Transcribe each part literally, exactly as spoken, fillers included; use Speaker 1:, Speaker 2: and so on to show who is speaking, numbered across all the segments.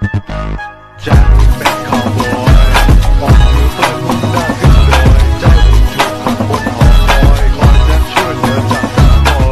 Speaker 1: จากเป็นคาวบอยออกมือเปิดมุมหน้าขึ้นดอยใจถูกขังบนหอคอยคอยจะช่วยเหลือจากทางบอย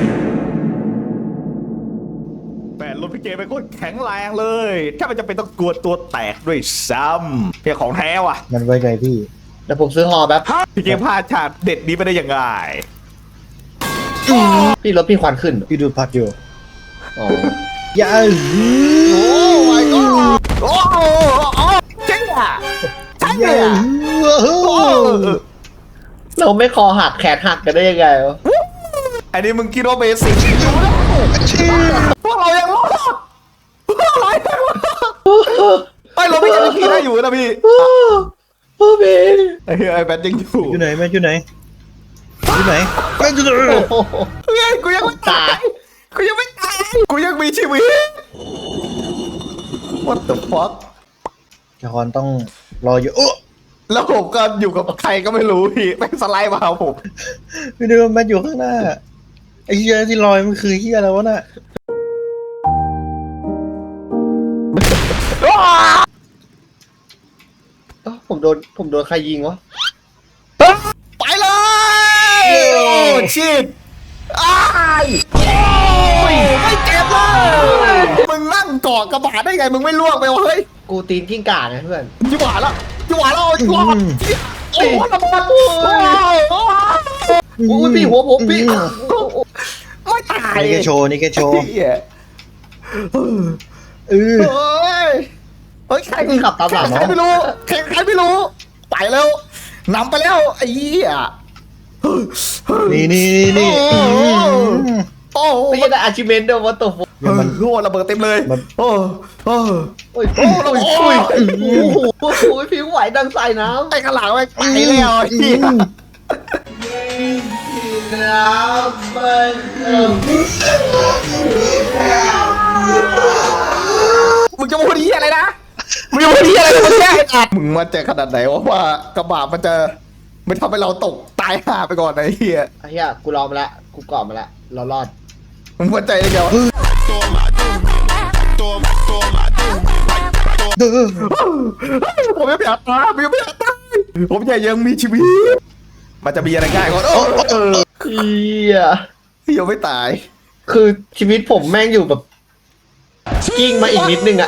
Speaker 1: แต่รถพี่เกเป็นคนแข็งแรงเลยถ้ามันจะเป็นต้องกลัวตัวแตกด้วยซ้ำเพียของแท้ว่ะ
Speaker 2: มันไว้ไงพี่
Speaker 3: เดี๋ยวผมซื้อฮอแป๊บ
Speaker 1: พี่เกพลาดฉากเด็ดนี้ไปได้ยังไง
Speaker 3: พี่รถพี่ควันขึ้น
Speaker 2: พี่ดูพัดอยู่
Speaker 3: อ๋อ
Speaker 2: อย่า
Speaker 1: โอ้ my god โอ้โหเจ๊งอ่ะใช่เลยอ่ะ
Speaker 3: เราไม่คอหักแขนหักกันได้ยังไงวะ
Speaker 1: อันนี้มึงคิดว่าเบสิกอยู่นะพวกเรายังรอดพวกเรายังรอดไอ้เราไม่ยังมีได้อยู่นะพี่
Speaker 3: โอ้พี่
Speaker 1: ไอ้เหี้ยไอ้แบทยังอยู่
Speaker 2: อยู่ไหนแม่อยู่ไหนอยู่ไหนแม่อยู่ไหน
Speaker 3: โอ้โห
Speaker 1: เฮ้ยกูยังไม่ตายกูยังไม่ตายกูยังมีชีวิต What the fuck
Speaker 2: จอห์นต้องรออยู่โอ้
Speaker 1: แล้วผมก็อยู่กับใครก็ไม่รู้พี่แม่งสไลด์มาหาผม
Speaker 2: พี่ดูแม่อยู่ข้างหน้าไอ้เหี้ยที่ลอยมันคือเหี้ยอะไรวะน่ะ
Speaker 3: เอ้าผมโดนผมโดนใครยิงวะ
Speaker 1: ไปเลยโอ้ชิดอ้ายโอ้ยไม่เจ็บเลยมึงนั่งเกาะกระบะได้ไงมึงไม่ล่วงไปวะเฮ้ย
Speaker 3: กูตีนกิ้งก่าไงเพื่อน
Speaker 1: จิ๋วหวานแล้วจิ๋วหวานแล้วจิ๋วหวานโอ้โหระเบิดโอ้โห
Speaker 3: โอ้ยพี่หัวผมพี่
Speaker 1: ไม่ตาย
Speaker 2: นี่แกโชว์นี่แกโชว์
Speaker 1: เหี้ย
Speaker 2: เออ
Speaker 1: เฮ้ยเฮ้ยใคร
Speaker 3: พี่ขับตามหลัง
Speaker 1: ใคร
Speaker 3: เนาะ
Speaker 1: ไม่รู้ใครใครไม่รู้ไปแล้วนำไปแล้วไอ้เหี้ย
Speaker 2: นี่นี่นี่
Speaker 1: โอ้โห
Speaker 3: ไม่ใช่ได้อาชิเมนต์เดียววัตถุ
Speaker 1: เออโอ้ระเบิดเต็มเลย
Speaker 2: มัน
Speaker 1: โอ้โอ้
Speaker 3: โอ้ยโอ้ยโอ้ยโอ้ยโอ้ยพี่ไหวดังใส่น้ำ
Speaker 1: ไอ้ข้างหลังไปไปแล้วไอ้เหี้ย
Speaker 3: น้ำมันเอิ่ม
Speaker 1: มึงจะพูดที่อะไรนะมึงจะพูดที่อะไรมึงแย่อัดมึงมั่นใจขนาดไหนวะว่ากระบะมันจะไม่ทำให้เราตกตายห่าไปก่อนไอ้เหี้ย
Speaker 3: ไอ้เหี้ยกูรอมาแล้วกูเกาะมาแล้วเรารอด
Speaker 1: มึงมั่นใจได้ไงวะ ผมยังไม่อยากตายผมยังไม่อยากตายผมอยากยังมีชีวิต มันจะมีอะไรง่ายกว่าโอ้เออ
Speaker 3: เหี้ย
Speaker 1: ยังไม่ตาย
Speaker 3: คือชีวิตผมแม่งอยู่แบบกิ้งมาอีกนิดนึงอะ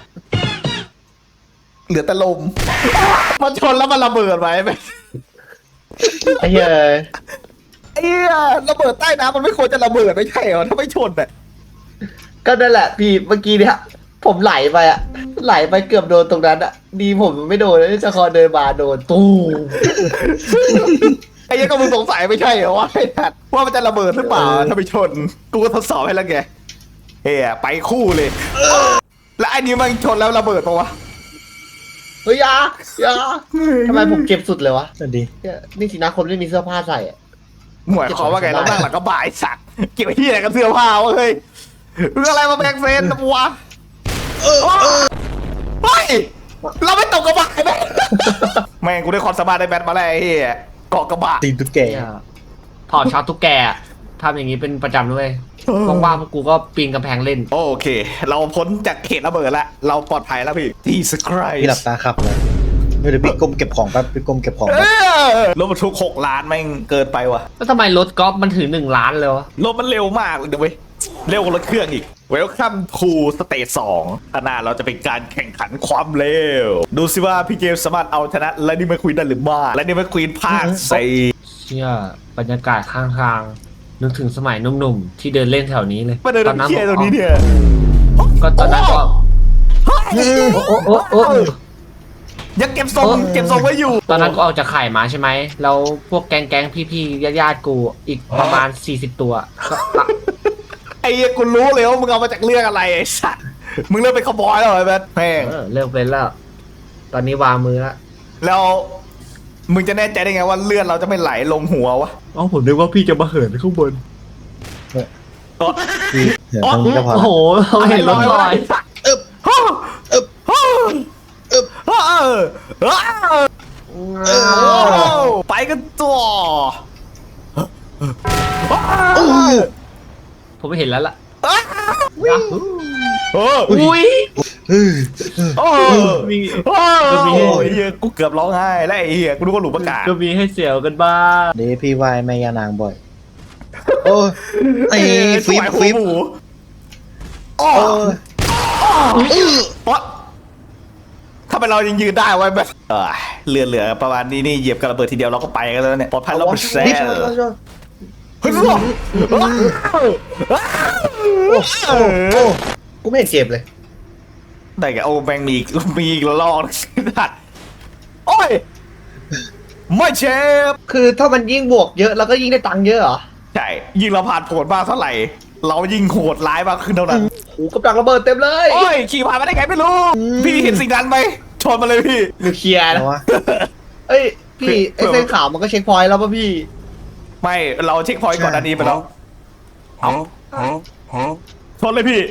Speaker 1: เหลือแต่ลม มันชนแล้วมันระเบิดไว้ไหม
Speaker 3: ไอ้เหี้ย
Speaker 1: ไอ้เหี้ยระเบิดใต้น้ำมันไม่ควรจะระเบิดไม่ใช่เหรอถ้าไม่ชนอ่ะ
Speaker 3: ก็นั่นแหละพี่เมื่อกี้เนี่ยผมไหลไปอะไหลไปเกือบโดนตรงนั้นอะดีผมไม่โดนแล้วจะคอเดินมาโดนตู้
Speaker 1: ไอ้เหี้ยก็มึงสงสัยไม่ใช่เหรอว่าไอ้ทัดว่ามันจะระเบิดหรือเปล่าถ้าไม่ชน กูก็ทดสอบให้แล้วไงเฮ้ยไปคู่เลย แล้วไอ้นี้มันชนแล้วระเบิดปะวะ
Speaker 3: เฮ้ยอยาอยาทำไมผมเจ็บสุดเลยวะ
Speaker 2: นั่นดี
Speaker 3: เหี้ยนี่สินะคนไม่มีเสื้อผ้าใส่อะ
Speaker 1: หมายความว่าไงเรานั่งหลังกระบะไอ้สัตว์เกี่ยวที่อะไรกับเสื้อผ้าวะเฮ้ยเรื่องอะไรมาแบกเซนนะวะเฮ้ยเราไม่ตกกระบะไหมแม่งกูได้ความสามารถได้แบทมาแล้วไอ้เหี้ยเกาะกระบะ
Speaker 2: ตีนตุ๊กแก
Speaker 3: เนี่ยถอดช็อตทุกแกอะทำอย่างนี้เป็นประจำด้วยว่างๆพวกกูก็ปีนกำแพงเล่น
Speaker 1: โอเค เราพ้นจากเขตระเบิดแล้วเราปลอดภัยแล้วพี่ที่สคราย
Speaker 2: พี่หลับตาขับเลยเดี๋ยวพี่ก้มเก็บของแป๊บพี่ก้มเก็บของ
Speaker 1: เอ
Speaker 2: แป๊บ
Speaker 1: อรถบรรทุกหกล้านแม่งเกินไปว่ะ
Speaker 3: แล้วทำไมรถกอล์ฟมันถึงหนึ่งล้านเลยวะ
Speaker 1: รถมันเร็วมากเลยเดี๋ยวเว้ยเร็วกว่ารถเครื่องอีก Welcome to Stage สองข้างหน้าเราจะเป็นการแข่งขันความเร็ว ดูสิว่าพี่เกมสามารถเอาชนะและนี่ไม่ควีนได้หรือไม่และนี่ไม่ควีนภาคสี่
Speaker 3: เชี่ยบรรยากาศข้างทางนึกถึงสมัยหนุ่มๆที่เดินเล่นแถวนี้เลย
Speaker 1: มาเดิน
Speaker 3: ตอนนั้น
Speaker 1: เที่ยวตรงนี้เนี่ย
Speaker 3: ก็ตอนนั้นก็
Speaker 1: เฮ้ย
Speaker 3: โอ้โอ้โอ้โอ้
Speaker 1: ยังเก็บทรงเก็บทรงไว้อยู่
Speaker 3: ตอนนั้นก็ออกจากไข่มาใช่ไหมแล้วพวกแก๊งๆพี่ๆญาติๆกูอีกประมาณสี่สิบตัวก็
Speaker 1: ไอ้เหี้ยกูรู้เลยว่ามึงเอามาจากเรื่องอะไรไอ้สัตว์มึงเริ่มเป็นขบอยแล้วเหรอไอ้แบทแม่ง
Speaker 3: เออเลิกเป็นแล้ว ตอนนี้วางมือแล้ว
Speaker 1: แล้วมึงจะแน่ใจได้ไงว่าเลือดเราจะไม่ไหลลงหัววะ
Speaker 3: อ๋อผมนึกว่าพี่จะมาเหินข้างบน
Speaker 2: พี่เดี๋ยวตรงนี้ก็พอ
Speaker 3: โอ้โหเราเห็นรถลอย
Speaker 1: เอบเอบเอบเอบเอบเออไปกันต่อ
Speaker 3: ผมไม่เห็นแล้วล่ะ
Speaker 1: เออ
Speaker 3: อุ้ย
Speaker 2: เออ
Speaker 1: โอ้
Speaker 4: มี
Speaker 1: โอ้ยเหี้ยกูเกือบร้องไห้แล้วไอ้เหี้ยกูนึกว่าหลุมประกาศ
Speaker 4: ก็มีให้เสียวกันบ้าง
Speaker 2: เดี๋ยวพี่วายแม่ยานางบ่อย โอ้ไอ้ฟิป
Speaker 1: ถวาย
Speaker 2: ฟิป
Speaker 1: หัวหมูโอ้
Speaker 2: โอ้อื้อ
Speaker 1: เพราะถ้าเป็นเรายังยืนได้ไว้แบบเออเหลือเหลือประมาณนี้นี่เหยียบกระเบิดทีเดียวเราก็ไปกันแล้วเนี่ยปลอดภัยเราเป็นแซ่
Speaker 2: นี่
Speaker 1: เฮ้ย
Speaker 2: โอ้โอ้กูไม่เห็นเจ็บเลย
Speaker 1: ได้แกโอ้แม่งมีอีกมีอีกละลอกสัตว์โอ้ยไม่เจ็บ
Speaker 3: คือถ้ามันยิ่งบวกเยอะเราก็ยิ่งได้ตังค์เยอะเหรอ
Speaker 1: ใช่ยิงเราผ่านผลมากเท่าไหร่ เรายิงโหดร้ายมากขึ้นเท่านั้น
Speaker 3: โอ้กำลังระเบิดเต็มเลย
Speaker 1: โอ้ยขี่ผ่านมาได้ไงไม่รู้ พี่เห็นสิ่งนั้นไหมชนมาเลยพี่
Speaker 3: นิวเคลียร์นะ
Speaker 2: เอาวะ
Speaker 3: เอ้ยพี่ไอ้เส้นขาวมันก็เช็คพอยต์แล้วป่ะพี่
Speaker 1: ไม่เราเช็คพอยต์ก่อนอันนี้ไปแล้วเอาชนเลยพี่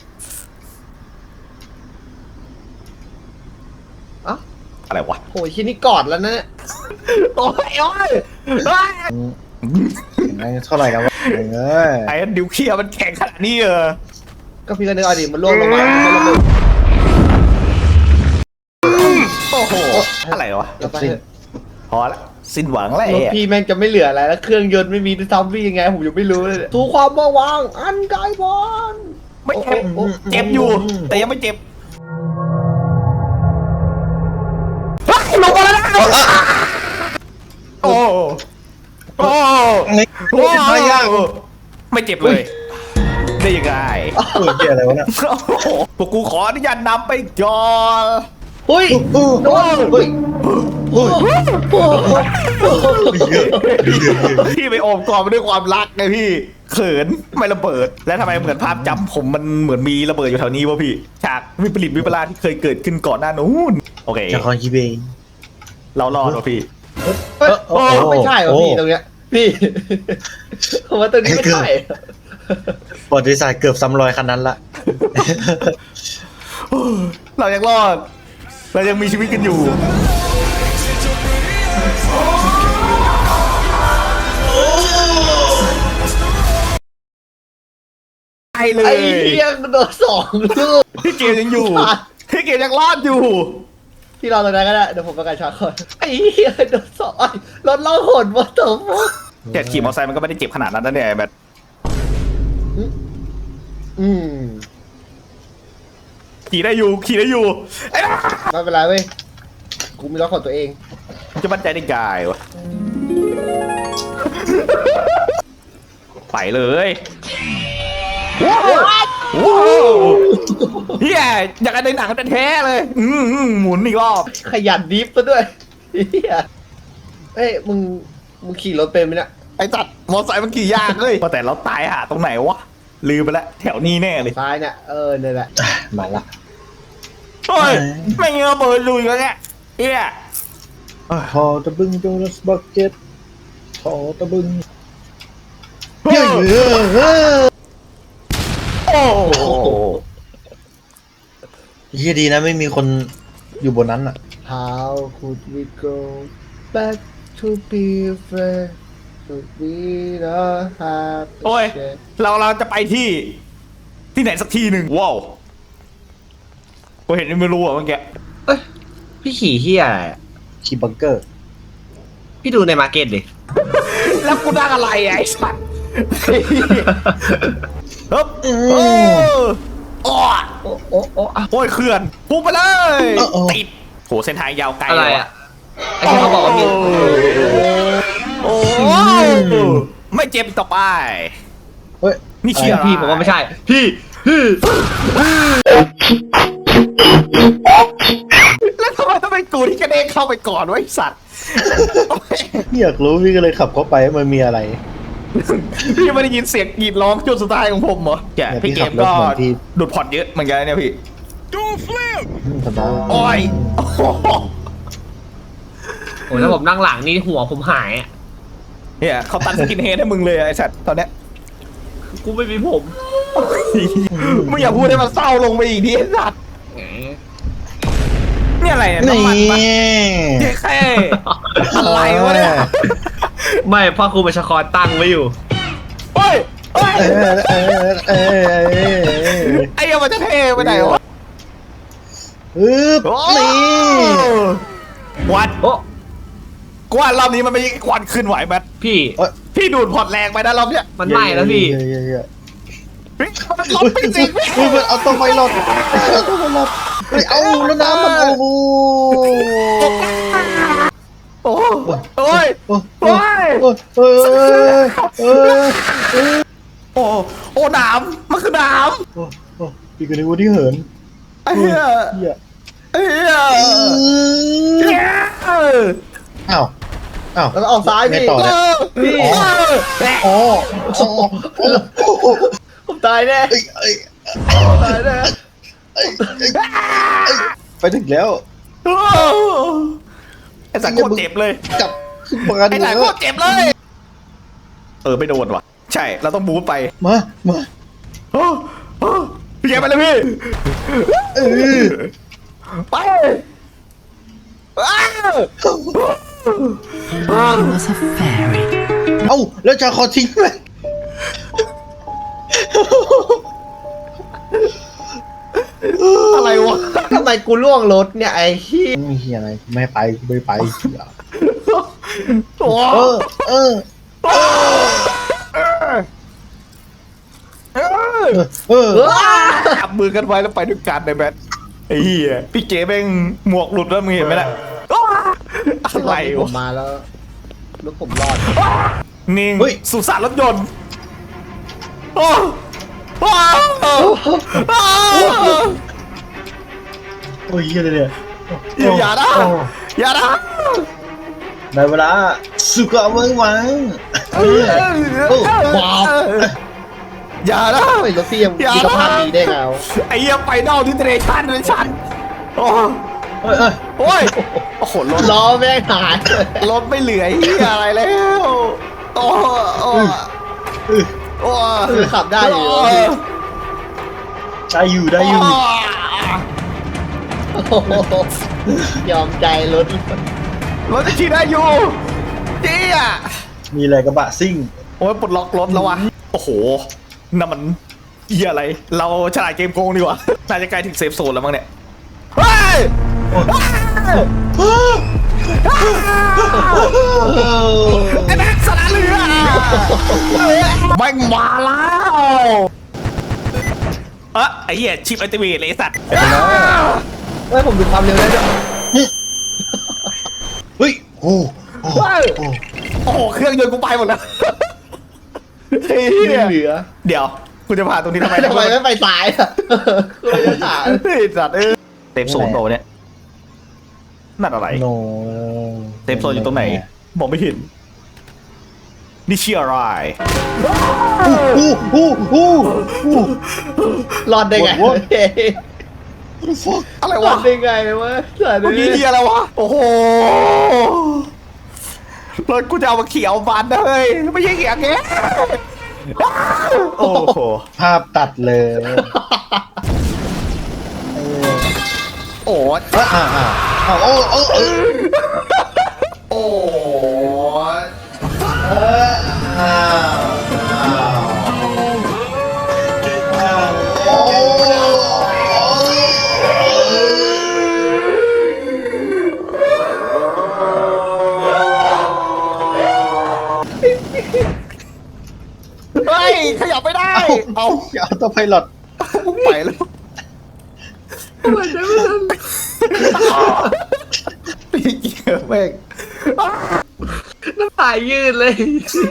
Speaker 3: เอ้า
Speaker 1: อะไรวะ
Speaker 3: โอ้ยชิ้นนี้กอดแล้วนะ
Speaker 1: โอ้ยโอ้ยเฮ้ย
Speaker 2: ไอ้เท่าไหร่แล้ววะเอ้ย
Speaker 1: ไอ้ดิวเคลียร์มันแข็งขนาดนี้เออ
Speaker 3: ก็พี่ก็นึกเอาดิมันล่วงลงมามันระเบิด
Speaker 1: โอ้โหอะไรวะ
Speaker 3: แล้วไปเถอะ
Speaker 1: พอละสิ้นหวังแล้ว
Speaker 3: รถ
Speaker 1: ไอ้
Speaker 3: พี่แม่งจะไม่เหลืออะไรแล้วเครื่องยนต์ไม่มีด้วยซ้ำพี่ยังไงผมยังไม่รู้เลยทูความว่าวางอันไกลบอล
Speaker 1: ไม่เจ็บเจ็บอยู่ แต่ยังไม่เจ็บเฮ้ยลงมาแล้วนะโอ้โอ้
Speaker 2: ไอ้
Speaker 1: โอ้
Speaker 2: ไม่ยาก
Speaker 1: ไม่เจ็บเลย ได้ยังไง
Speaker 2: เออเกี่ยอะไรวะเนี่ย
Speaker 1: โอ้โหพวกกูขออนุญาตนำไปก่อน
Speaker 3: เฮ้ย
Speaker 2: โอ้
Speaker 3: โดนเฮ้ย
Speaker 2: โอ้
Speaker 3: โอ้โห
Speaker 1: พี่ไปโอบกอดมาด้วยความรักไงพี่ เขินไม่ระเบิด แล้วทำไมเหมือนภาพจำผมมันเหมือนมีระเบิดอยู่แถวนี้วะพี่ ฉากวิปริตวิปลาสที่เคยเกิดขึ้นก่อนหน้านู้น โอเค
Speaker 2: จะคอนคีเบย์
Speaker 1: เรารอดวะพี่
Speaker 3: เฮ้ยโอ้ไม่ใช่เหรอพี่ตรงเนี้ยพี่ผมว่าตรงนี้ไม่ใช่
Speaker 2: ประวัติศาสตร์เกือบซ้ำรอยคันนั้นละ
Speaker 1: เรายังรอด เรายังมีชีวิตกันอยู่ ไอเล
Speaker 3: ไอ้
Speaker 1: ย
Speaker 3: เหี้ยโดนสองลูก
Speaker 1: พี่เกมยังอยู่ พี่เกมยังรอดอยู่
Speaker 3: พี่รอตรงนั้นก็ได้เดี๋ยวผมประกาศชาร์จก่อนไอ้เหี้ยโดนสองไอ้รถล่องหนมาต่อฟ
Speaker 1: แต่ขี่มอเตอร์ไซค์มันก็ไม่ได้เจ็บขนาดนั้นนะเนี่ยแบบ
Speaker 3: อืม
Speaker 1: ขี่ได้อยู่ขี่ได้อยู่ไอ้บ้า
Speaker 3: ไม่เป็นไรเว้ยกูมีรถของตัวเอง
Speaker 1: จะมั่นใจได้ไงวะไปเลยว้าวว้าวเฮียอยากกันในหนังแท้ๆเลย อืมอืมหมุนอีกรอบ
Speaker 3: ขยันดิฟซะด้วยเหี้ยเอ้ยมึงมึงขี่รถเป็นไหมเนี่ย
Speaker 1: ไอ้จัดมอเตอร์ไซค์มันขี่ยากเลยว่าแต่เราตายหาตรงไหนวะลืมไปแล้วแถวนี้แน่เลย
Speaker 3: ซ้ายเนี่ยเออเนี่ยแหละ
Speaker 2: มาละ
Speaker 1: โอ้ยไม่เงี้ยเบิร์ดลุยแล้วเนี่ยเฮีย
Speaker 2: พอตะบึงโจนัสบักเก็ตพอตะบึง
Speaker 1: เฮ้ย
Speaker 2: เฮ้ยเฮ้ย
Speaker 1: โอ้โห
Speaker 2: เฮียดีนะไม่มีคนอยู่บนนั้นอ่ะ
Speaker 3: How could we go back to be friends Could we not have
Speaker 1: โอ้ยเราเราจะไปที่ที่ไหนสักที่หนึ่งว้าวกูเห็นไม่รู้อ่ะเมื่อกี้
Speaker 4: เอ้ยพี่ขี่เฮียอะไรอะ
Speaker 2: คีบังเกอร์
Speaker 4: พี่ดูในมาร์เก็ตดิ
Speaker 1: แล้วกูนั่งอะไรอ่ะไอ้สัตว์เฮ้ยโอ้โอ้
Speaker 3: โอ้โอ้โอ้อะ
Speaker 1: โอ้ยเขื่อนพุ่งไปเลยติดโหเส้นทางยาวไกล
Speaker 4: อะไร
Speaker 1: เลย
Speaker 4: อ่ะไอ้ที่เขาบอกว่ามี
Speaker 1: โอ้ไม่เจ็บอีกต่อไป
Speaker 2: เฮ้ย
Speaker 1: นี่เชียร์
Speaker 4: พี่ผมว่าไม่ใช่ พี่พี่
Speaker 1: แล้วทำไมต้องเป็นกูที่กระเด้งเข้าไปก่อนวะไอ้สัตว์
Speaker 2: อยากรู้พี่ก็เลยขับเข้าไปมันมีอะไร
Speaker 1: พี่ไม่ได้ยินเสียงกรีดร้องจนสุดท้ายของผมเหรอแก
Speaker 2: เนี่ย
Speaker 1: พี่
Speaker 2: พี่
Speaker 1: เก
Speaker 2: ขั
Speaker 1: ม
Speaker 2: บรถ
Speaker 1: ก็
Speaker 2: เหมือนที่
Speaker 1: ดูดผ่อนเยอะเหมือนกันนะเนี่ยพี่
Speaker 2: สบาย
Speaker 1: โอ้ยโอ้โห
Speaker 4: โอ้ยถ้าผมนั่งหลังนี่หัวผมหายอ่ะ
Speaker 1: เนี่ยเขาตัดสกินเฮดให้มึงเลยไอ้สัตว์ตอนเนี้ย
Speaker 4: กูไม่มีผม
Speaker 1: มึงอย่าพูดให้มันเศร้าลงไปอีกทีไอ้สัตว์เนี่ยอะไรเนี่ย
Speaker 2: นี่
Speaker 1: น้ำมันปะเจ๊แค่อะไรวะเนี่ย
Speaker 4: ไม่พ่อครูประชากรตั้งไว้อยู่
Speaker 1: โอ้ยโอ้ย
Speaker 2: เออเออเออเออ
Speaker 1: ไอ้เหี้ยังมันจะเทไปไหนวะ
Speaker 2: ฮึบ
Speaker 1: โอ้
Speaker 2: นี่
Speaker 1: ควัน
Speaker 4: โอ้
Speaker 1: กว่ารอบนี้มันไม่ใช่ควันขึ้นไหวแมท
Speaker 4: พี่
Speaker 1: พี่ดูดพอร์ตแรงไปนะรอบเนี้ย
Speaker 4: มันไหม้แล้วพี่
Speaker 2: เย้เย้เย้
Speaker 1: เฮ้ยมันลบไปจริง
Speaker 2: เฮ้ยมันเอาตัวไฟหลอดเอาตัวไฟหลอดเฮ้ยเอาแล้วน้ำมันเอาโอ้
Speaker 1: โอ้โอ้ย
Speaker 2: โอ้
Speaker 1: โอ้ย
Speaker 2: โอ้โอ้โอ้
Speaker 1: โอ้โอ้หนามมันคือหนาม
Speaker 2: โอ้โอ้พี่ก็นึกว่าที่เหิน
Speaker 1: ไอ้เหี้ย
Speaker 2: เหี้ย
Speaker 1: ไอ้เหี้ยเหี้ยเออ
Speaker 2: อ้าวอ้าว
Speaker 3: แล้วออกซ้าย
Speaker 2: ไง
Speaker 3: พี่
Speaker 2: ต่อเนี่ย
Speaker 1: พี่
Speaker 2: อ๋ออ๋ออ๋อโอ้
Speaker 3: ผมตายแน่
Speaker 2: เอ้ยเอ้ย
Speaker 3: ตายแน่
Speaker 2: เอ้ยเอ้ยไปถึงแล้ว
Speaker 1: ไอ้สัตว์โคตรเจ็บเลย
Speaker 2: จับขึ้นมา
Speaker 1: ไอ้
Speaker 2: ดู
Speaker 1: สัตว์โคตรเจ็บเลย เออไม่โดนว่ะ ใช่เราต้องบู๊ไป
Speaker 2: มามา
Speaker 1: โอ้โอ้พี่แกไปเลยพี่
Speaker 2: เออ
Speaker 1: ไปอ้าว
Speaker 5: was a fairy.
Speaker 2: เอ้าแล้วจะขอทิ้งไหม
Speaker 1: อะไรวะ
Speaker 3: ทำไมกูล่วงรถเนี่ยไอ้ที่
Speaker 2: ไม่เฮียอะไรไม่ไปไม่ไปเหี้ย
Speaker 1: โอ้
Speaker 2: เออเออ
Speaker 1: เออ
Speaker 2: เออ
Speaker 1: จับมือกันไว้แล้วไปด้วยกันในแบทไอ้เหี้ยพี่เก๋แม่งหมวกหลุดแล้วมึงเห็นไหมล่ะอะไร
Speaker 3: ผ
Speaker 1: วะ
Speaker 3: มมาแล้วรถผมรอด
Speaker 1: นิ่งสุสานรถยนต์โอ้โอ้
Speaker 2: โอ้ยเฮียเลยเนี่ย
Speaker 1: อย่านะอย่านะ
Speaker 2: ในเวลาสุกะเมืองหวังเออโอ้ว้าว
Speaker 1: อย่านะ
Speaker 3: ไม่รถพี่ยังมีสภาพดีได้ไงวะ
Speaker 1: ไอ้เหี้ยไฟนอลที่เทรชันเลยฉันโอ้
Speaker 2: เอ้ยเอ้ย
Speaker 1: โอ้ยโอ้โหรถ
Speaker 3: ล้อแม่งหาย
Speaker 1: รถไม่เหลือเหี้ยอะไรแล้วโอ้โอ้โอ้
Speaker 3: คือขับได้อยู่
Speaker 2: ได้อยู่ได้อยู่
Speaker 3: โอ้โหยอมใจรถ
Speaker 1: รถจะขี่ได้อยู่เจี๊ย
Speaker 2: มีอะไรกระบะซิ่ง
Speaker 1: โอ้ยปลดล็อกรถแล้ววะโอ้โหนั่นมันเหี้ยอะไร เราฉลาดเกมโกงดีกว่าน่าจะใกล้ถึงเซฟโซนแล้วมั้งเนี่ยเฮ้ยไอ้แม็กซ์สละเรือแม่งมาแล้วเอะไอ้เหี้ยชิปอัลติเมทเลยไอ้สัตว์
Speaker 3: เฮ้ยผมดูความเร็วได้ด้วย
Speaker 2: เฮ้ยโอ้โอ้
Speaker 1: เฮ้ย
Speaker 2: โอ้
Speaker 1: โอ้โหเครื่องยนต์กูไปหมดแล้วเฮ้ย
Speaker 3: เหลือ
Speaker 1: เดี๋ยวคุณจะผ่านตรงนี้ทำไม
Speaker 3: ทำไมไม่ไปซ้ายอ่ะคือจะถาม
Speaker 1: เฮ้ยสัตว์เออเซฟโซนโตเนี่ยนั่นอะไร
Speaker 2: โน
Speaker 1: เซฟโซนอยู่ตรงไหนมองไม่เห็นนี่เชียร์อะไร
Speaker 2: อู้อู้อู้อู้
Speaker 3: รอดได้ไง
Speaker 2: What?
Speaker 3: เฮ้ย
Speaker 2: fuck
Speaker 1: อะไร
Speaker 3: รอ
Speaker 1: วะ
Speaker 3: ดได้ไงวะสัตว์
Speaker 1: เมื่อกี้เฮียอะไรวะโอ้โหรถกูจะเอามาเขียวบานนะเฮ้ยไม่ใช่เขียวแกโอ้โห
Speaker 2: ภาพตัดเลย
Speaker 1: โอ้
Speaker 2: อ่าอ่าอ่าอ่าโอ้โอ้โอ้
Speaker 1: โอ้
Speaker 2: อ้าว
Speaker 1: เฮ้ยขยับไม่ได้ เอา
Speaker 2: อย่าเอาตัวไพลอต
Speaker 1: ไปแล้วพี่เกียร์แม่ง
Speaker 4: น้ำตายืดเลย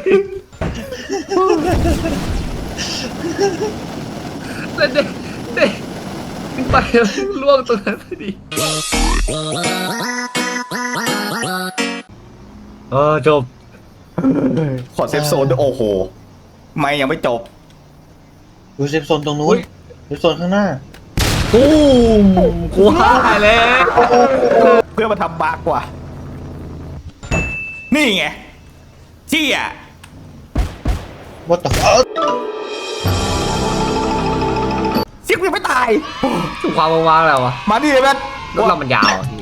Speaker 4: แล้วเด็กเด็กขึ้นไปแล้วล่วงตรงนั้นพอดีเออจบ
Speaker 1: ขอเซฟโซนด้วยโอ้โหไม่ยังไม่จบ
Speaker 2: ดูเซฟโซนตรงนู้นเซฟโซนข้างหน้า
Speaker 4: ตูมกูหายแล้ว
Speaker 1: เพื่อมาทำบาร์กว่า นี่ไงเจี๊ย
Speaker 2: What the fuck
Speaker 1: เสียงยังไม่ตาย
Speaker 4: ถูกความว่างๆแล้ววะ
Speaker 1: มาดิเลยแม่
Speaker 4: รถเรามันยาวอะพี่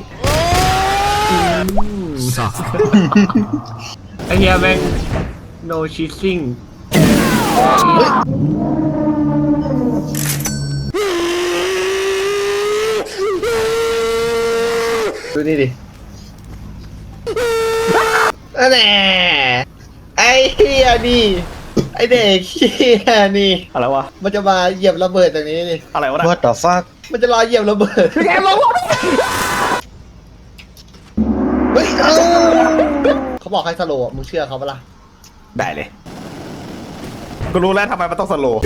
Speaker 4: ไอเฮียแม่ง no cheating
Speaker 2: เ
Speaker 3: ดูนี่ดินั่นแหละไอ้เฮียนี่ไอ้เด็กเฮียนี่
Speaker 1: อะไรวะ
Speaker 3: มันจะมาเหยียบระเบิดตรงนี้นี่
Speaker 1: อะไรวะนะ
Speaker 2: What the fuck
Speaker 3: มันจะรอเหยียบระเบิด
Speaker 1: แกลง
Speaker 2: เฮ้ยเอ้า
Speaker 3: เขาบอกให้สโลว์อะมึงเชื่อเขาปะล่ะ
Speaker 1: ได้เลยกูรู้แล้วทำไมมันต้องสโลว์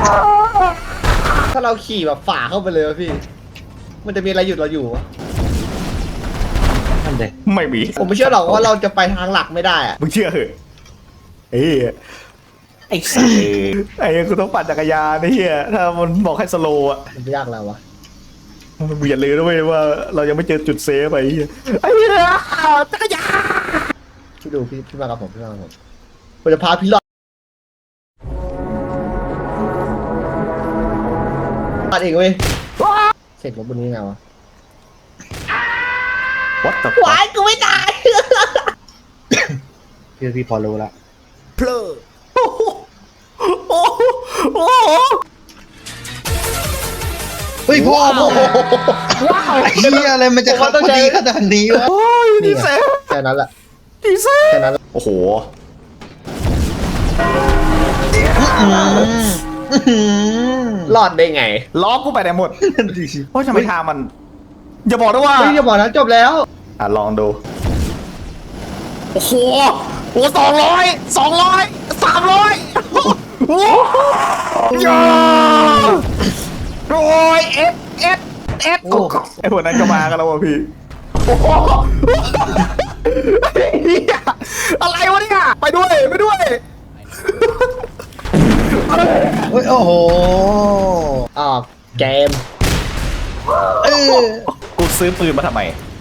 Speaker 3: ถ้าเราขี่แบบฝ่าเข้าไปเลยวะพี่ มันจะมีอะไรหยุดเราอยู่วะ
Speaker 2: นั่นเด็ก
Speaker 1: ไม่มี
Speaker 3: ผมไม่เชื่อหรอกว่าเราจะไปทางหลักไม่ได้อะ
Speaker 1: มึงเชื่อเหอะเอ้ยไอ้สัสไอ้กูต้องปั่นจักรยานไอ้เหี้ยถ้ามันบอกให้สโลว์อะ
Speaker 3: มันไม่ยากแล้ววะ
Speaker 1: มึงอย่าลืมนะเว้ยว่าเรายังไม่เจอจุดเซฟไอ้เหี้ยไอ้เหี้ยจักรยาน
Speaker 3: พี่ดูพี่พี่มากับผมพี่มากับผมผมจะพาพี่รอดตัดเองเว้ยเสร็จรถบนนี้ไงวะ
Speaker 1: วัดแต่
Speaker 3: วายกูไม่ตาย
Speaker 2: พี่พี่พอรู้ละ
Speaker 1: เพลอโอ้โหโอ้โหโอ้โห
Speaker 2: เฮ้ยพ่อพ่อไอ้เหี้ยอะไรมันจะขับพอดีขนาดนี้วะ
Speaker 1: โอ้ยดีเซล
Speaker 3: แค่นั้นแหละ
Speaker 1: ดีเซล
Speaker 3: แค่นั้นแหละ
Speaker 1: โอ้โห
Speaker 3: รอดได้ไง
Speaker 1: ล้อกูไปไหนหมดโอ้ยทำไมทางมัน อย่าบอกนะว่า
Speaker 3: ไม่อย่าบอกนะจบแล้ว
Speaker 1: อ่ะลองดู โอ้โหโอ้สองร้อยสองร้อยสามร้อยโอ้ยาโอ้ยเอฟเอฟเอฟ
Speaker 3: โอ้
Speaker 1: ไอ้พวกนั้นก็มากันแล้วว่ะพี่โอ้โหเหี้ยอะไรวะเนี่ยไปด้วยไปด้วย
Speaker 2: เฮ้ยโอ้โห
Speaker 3: ออกเกม
Speaker 2: เออ
Speaker 1: กูซื้อปืนมาทำไม